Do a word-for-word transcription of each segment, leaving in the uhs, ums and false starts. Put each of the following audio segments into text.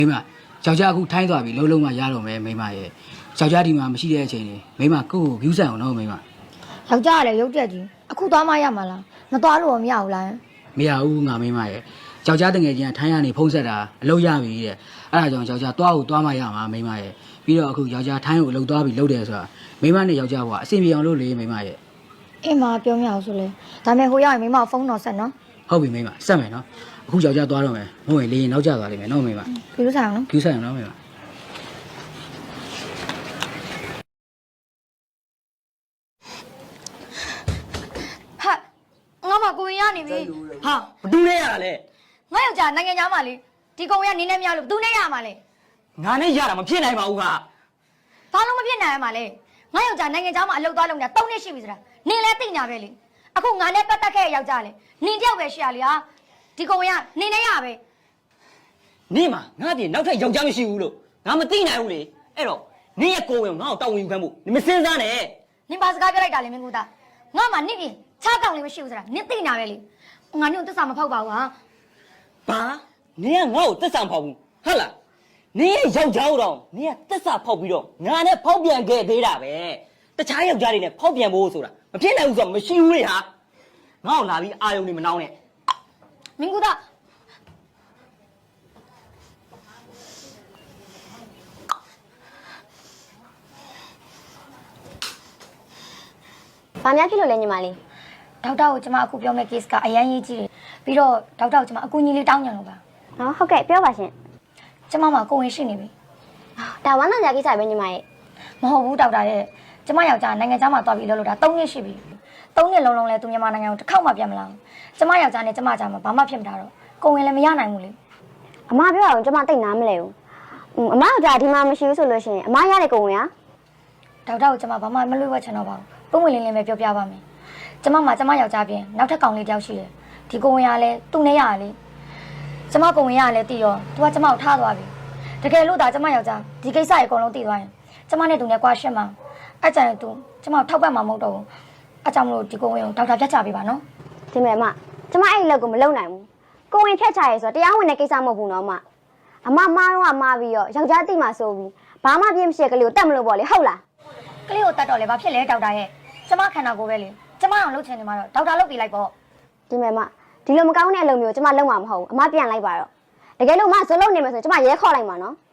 မိမယောက်ျားအခုထိုင်းသွားပြီလုံးလုံးမှရတော့မယ်မိမရဲ့ယောက်ျားဒီမှာမရှိတဲ့အချိန်လေးမိမကိုယ့်ကို view ဆန်အောင်နော်မိမယောက်ျားကလည်းရုပ်တက်ကြီးအခုသွားမှရမှာလားမသွားလို့မရဘူးလားမရဘူးငါမိမရဲ့ယောက်ျားတငယ်ချင်းကထိုင်းကနေဖုံးဆက်တာအလုပ်ရပြီတဲ့အဲ့ဒါကြောင့်ယောက်ျားသွားကိုသွားမှရမှာမိမရဲ့ပြီးတော့အခုယောက်ျားထိုင်းကိုအလုပ်သွားပြီလုပ်တယ်ဆိုတာမိမနဲ့ယောက်ျားကအဆင်ပြေအောင်လုပ်လေမိမရဲ့အေးမပြောမရအောင်ဆိုလေဒါမဲ့ဟိုရောက်ရင်မိမဖုန်းတော်ဆက်နော်ဟုတ်ပြီမိမဆက်မယ်နော်အခုယောက်ျားသွားတော့မယ်မဟုတ်ရင်လေရင်နောက်ကျသွားလိမ့်မယ်နော်မိမ view ဆန်အောင်နော် view ဆန်အောင်နော်မိမဟာငါမကိုရင်ရနေပြီဟာဘသူနဲ့ရတာလဲငါယောက်ျားနိုင်ငံသားမလေးဒီကောင်ရနင်းနေမရလို့ဘသူနဲ့ရမှာလဲငါနဲ့ရတာမဖြစ်နိုင်ပါဘူးခါဘာလို့မဖြစ်နိုင်ရမှာလဲငါယောက်ျားနိုင်ငံသားမအလုပ်သွားလုပ်နေတာ၃နှစ်ရှိပြီဆိုတာနင်းလဲသိညာပဲလေအခုငါနဲ့ပတ်သက်ခဲ့ယောက်ျားလေနင်းတယောက်ပဲရှိရလေဟာဒီကောင်ရနင်းနေရပဲနင်းမှာငါတည်းနောက်ထပ်ယောက်ျားမရှိဘူးလို့ငါမသိနိုင်ဘူးလေအဲ့တော့နင်းရဲ့ကိုယ်ဝင်ငါ့ကိုတောင်းဝင်ယူခံဖို့နင်မစင်းစားနဲ့နင်းဘာစကားပြောလိုက်တာလဲမင်းကူသားငါမှနင့်ပြင်ချားကောင်လေးမရှိဘူးဆိုတာနင်းသိညာပဲလေငါနင့်ကိုသစ္စာမဖောက်ပါဘူးဟာဘာနင်းကငါ့ကိုသစ္စာမဖောက်ဘူးဟုတ်လားနင်းရဲ့ယောက်ျားတော့နင်းကသစ္စာဖောက်ပြီးတော့ငါနဲ့ဖောက်ပြန်ခဲ့သေးတာပဲတခြားယောက်ျားတွေနဲ့ဖောက်ပြန်ဖို့ဆိုတာမဖြစ်နိုင်ဘူးဆိုတော့မရှိဘူးလေဟာငါ့ကိုလာပြီးအာယုံနေမနှောင်းနဲ့မင်းကူသားဘာများဖြစ်လို့လဲညီမလေးဒေါက်တာကိုကျွန်မအခုပြောမယ့် case ကအရန်ရေးကြီးတယ်ပြီးတော့ဒေါက်တာကိုကျွန်မအကူအညီလေးတောင်းကြလို့ပါဟောဟုတ်ကဲ့ပြောပါရှင်ကျွန်မမှာကိုဝင်ရှိနေပြီဒါဝမ်းသာကြကိစ္စပဲညီမရဲ့မဟုတ်ဘူးဒေါက်တာရဲ့ကျွန်မယောက်ျားနိုင်ငံခြားမှာသွားပြီးလှုပ်လို့တာ၃နှစ်ရှိပြီ၃နှစ်လုံးလုံးလဲသူမြန်မာနိုင်ငံကိုတစ်ခေါက်မှပြန်မလာဘူးကျွန်မယောက်ျားနဲ့ကျွန်မကြားမှာဘာမှဖြစ်မတာတော့ကိုဝင်လည်းမရနိုင်ဘူးလေအမပြောအောင်ကျွန်မတိတ်နားမလဲဘူးအမကဒီမှာမရှိဘူးဆိုလို့ရှိရင်အမရတဲ့ကိုဝင်ဟာဒေါက်တာကိုကျွန်မဘာမှမလွှဲဝဲချင်တော့ပါဘူးပုံဝင်လင်းလင်းပဲပြောပြပါမယ်ကျွန်မမှာကျွန်မယောက်ျားပြင်နောက်ထပ်ကောင်လေးတယောက်ရှိတယ်ဒီကိုဝင်ရလဲသူ့နဲ့ရရလေကျွန်မကိုဝင်ရလဲတည်ရောသူကကျွန်မကိုထားသွားပြီတကယ်လို့ဒါကျွန်မယောက်ျားဒီကိစ္စရေအကုန်လုံးတည်သွားရင်ကျွန်မနဲ့သူနဲ့ကွာရှင်းမှာအဲ့ကြရင်သူကျွန်မထောက်ပတ်မှာမဟုတ်တော့ဘူးအဲ့ကြောင့်မလို့ဒီကိုဝင်ကိုဒေါက်တာဖြတ်ချပေးပါနော်ဒီမဲ့အမကျွန်မအဲ့လက်ကိုမလုံနိုင်ဘူးကိုဝင်ဖြတ်ချရဲဆိုတော့တရားဝင်တဲ့ကိစ္စမဟုတ်ဘူးနော်အမအမမားတော့မားပြီးတော့ယောက်ျားတိမှဆိုပြီးဘာမှပြင်းမရှိကလေးကိုတတ်မလို့ပေါ့လေဟုတ်လားကလေးကိုတတ်တော့လေဘာဖြစ်လဲဒေါက်တာရဲ့ကျမခန္ဓာကိုယ်ပဲလေကျမအောင်လုပ်ချင်နေမှာတော့ဒေါက်တာလုပ်ပြီးလိုက်ပေါ့ဒီမဲ့မဒီလိုမကောင်းတဲ့အလုပ်မျိုးကျမလုပ်မှာမဟုတ်ဘူးအမပြန်လိုက်ပါတော့တကယ်လို့မဇလုံးနေမယ်ဆိုရင်ကျမရဲခေါ်လိုက်မှာနော်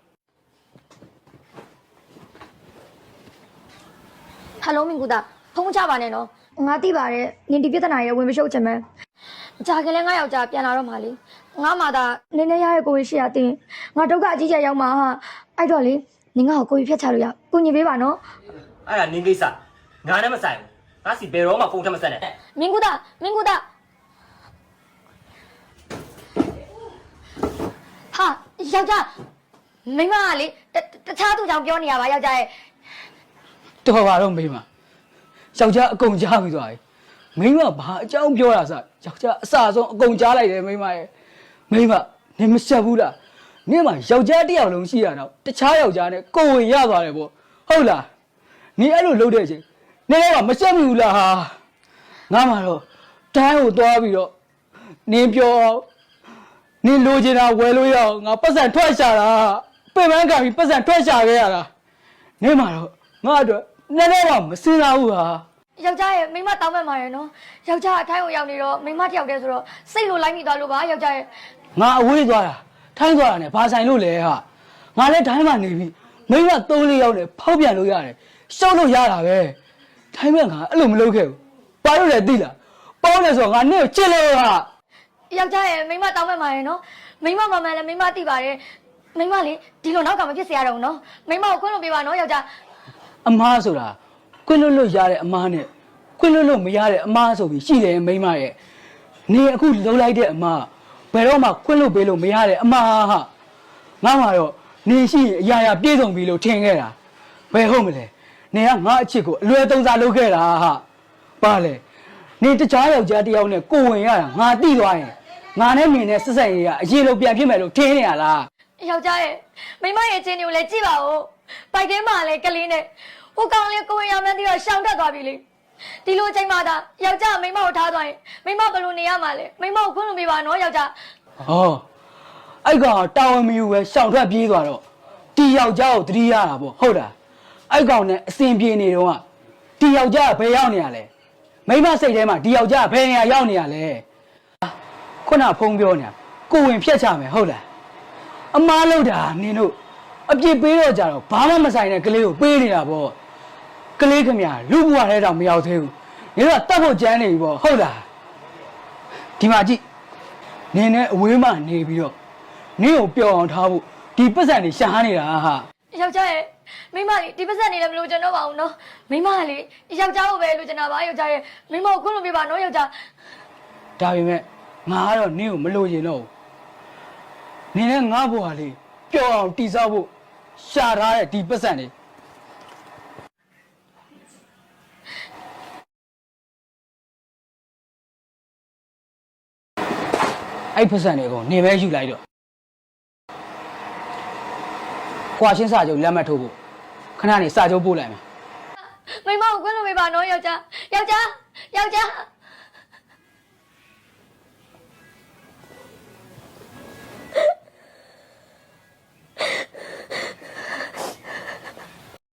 ဟယ်လိုမင်္ဂလာဖုန်းချပါနဲ့နော်ငါသိပါတယ်နင်ဒီပြဿနာရဲ့ဝင်မရှုပ်ချင်မယ်ကြာကလေးငါယောက်ျားပြန်လာတော့မှလေငါမှသာနင်းနေရရဲ့ကိုယ်ရှိရတင်ငါဒုက္ခအကြီးကျယ်ရောက်မှာဟာအဲ့တော့လေနင်ငါ့ကိုကိုယ်ဖြတ်ချလို့ရကိုညီပေးပါနော်အဲ့ဒါနင်းကိစ္စငါနဲ့မဆိုင်ဘူးငါစီဘယ်တော့မှဖုန်းထမဆက်နဲ့မင်္ဂလာမင်္ဂလာဟာယောက်ျားမိမကလေတခြားသူကြောင့်ပြောနေရပါယောက်ျားရဲ့တော်ပါတော့မိမယောက်ျားအကုန်ကြားပြီးသွားပြီမိမဘာအကြောင်းပြောတာစယောက်ျားအစဆုံးအကုန်ကြားလိုက်တယ်မိမရဲ့မိမနင်မဆက်ဘူးလားနင်မယောက်ျားတစ်ယောက်လုံးရှိရတော့တခြားယောက်ျားနဲ့ကိုယ်ဝင်ရသွားတယ်ပေါ့ဟုတ်လားနင်အဲ့လိုလုပ်တဲ့အချိန်နင်ကမဆက်ဘူးလားဟာငါမှတော့တိုင်းကိုသွားပြီးတော့နင်ပြောနင်လိုချင်တာဝယ်လို့ရအောင်ငါပတ်စံထွက်ရှာတာပြင်ပန်းကပြီးပတ်စံထွက်ရှာခဲ့ရတာနင်မှတော့ငါအတွက်နည်းနည်းတော့မစင်လာဘူးဟာယောက်ျားရဲ့မိမတောင်းမဲ့မှာရယ်နော်ယောက်ျားအထိုင်းကိုရောက်နေတော့မိမတယောက်တည်းဆိုတော့စိတ်လိုလိုက်မိသွားလို့ပါယောက်ျားရဲ့ငါအဝေးသွားတာထိုင်းသွားတာနဲ့ဘာဆိုင်လို့လဲဟာငါလည်းထိုင်းမှာနေပြီမိမသုံးလေးယောက်နဲ့ဖောက်ပြန်လို့ရတယ်ရှောက်လို့ရတာပဲထိုင်းမှာငါအဲ့လိုမလုပ်ခဲ့ဘူးဘာလို့လဲသိလားပေါင်းတယ်ဆိုတော့ငါနဲ့ချစ်လို့ဟာယောက်ျားရဲ့မိမတောင်းမဲ့မှာရယ်နော်မိမမမှန်လည်းမိမသိပါတယ်မိမလေဒီလိုနောက်ကမဖြစ်စေရတော့ဘူးနော်မိမကိုခွင့်လို့ပေးပါနော်ယောက်ျားအမားဆိုတာခွင့်လွတ်လို့ရတဲ့အမားနဲ့ခွင့်လွတ်လို့မရတဲ့အမားဆိုပြီးရှိတယ်မိမရဲ့နေအခုလုံးလိုက်တဲ့အမားဘယ်တော့မှခွင့်လွတ်ပေးလို့မရတဲ့အမားဟာငါမှတော့နေရှိအရာရာပြေဆုံးပြီလို့ထင်ခဲ့တာဘယ်ဟုတ်မလဲနေကငါအချစ်ကိုအလွယ်သုံးစားလုပ်ခဲ့တာဟာပါလေနေတခြားယောက်ျားတယောက်နဲ့ကိုဝင်ရတာငါတိသွားရင်ငါနဲ့နေနဲ့ဆက်ဆက်ရရအရေးလုံးပြန်ဖြစ်မယ်လို့ထင်နေရလားယောက်ျားရဲ့မိမရဲ့ချင်းတွေကိုလည်းကြည့်ပါဦးပိုက်ထဲမှာလည်းကလေးနဲ့ဟိုကောင်လေးကိုဝင်ရမှန်းပြီးတော့ရှောင်တက်သွားပြီလေဒီလိုအချိန်မှသာယောက်ျားမိမကိုထားသွားရင်မိမဘယ်လိုနေရမှာလဲမိမကိုခွင့်လို့ပြပါနော်ယောက်ျားဟောအဲ့ကောင်တာဝန်မယူပဲရှောင်ထွက်ပြေးသွားတော့ဒီယောက်ျားကိုတတိရတာပေါ့ဟုတ်လားအဲ့ကောင်နဲ့အစင်ပြေနေတော့ကဒီယောက်ျားကဘယ်ရောက်နေရလဲမိမစိတ်ထဲမှာဒီယောက်ျားကဘယ်နေရာရောက်နေရလဲခုနဖုံးပြောနေတာကိုဝင်ဖြတ်ချမယ်ဟုတ်လားအမားလို့တာနင်တို့အပြစ်ပေးတော့ကြတော့ဘာမှမဆိုင်တဲ့ကလေးကိုပေးနေတာပေါ့ကလေးခမရလူဘွားထဲတောင်မရောက်သေးဘူးနင်တို့ကတတ်ဖို့ကြမ်းနေပြီပေါ့ဟုတ်လားဒီမှာကြည့်နင်နဲ့အဝေးမှနေပြီးတော့နင်ကိုပျော်အောင်ထားဖို့ဒီပတ်စံတွေရှာနေတာဟာယောက်ျားရဲ့မိမလေးဒီပတ်စံနေလည်းမလို့ကျွန်တော်ပါဘူးနော်မိမလေးယောက်ျားကိုပဲလို့ကျွန်တော်ပါယောက်ျားရဲ့မိမကိုခွင့်လို့ပြပါနော်ယောက်ျားဒါပေမဲ့ငါကတော့နင်ကိုမလို့ရင်တော့နင်နဲ့ငါ့ဘွားလေးပျော်အောင်တိဆောက်ဖို့ရှာထားတဲ့ဒီပတ်စံတွေအဲ့ပတ်စံတွေကုန်နေပဲယူလိုက်တော့ကွာရှင်းစာချုပ်လက်မှတ်ထိုးဖို့ခဏနေစာချုပ်ပို့လိုက်မယ်မိမကိုခွင့်လို့ပြပါနော်ယောက်ျားယောက်ျားယောက်ျား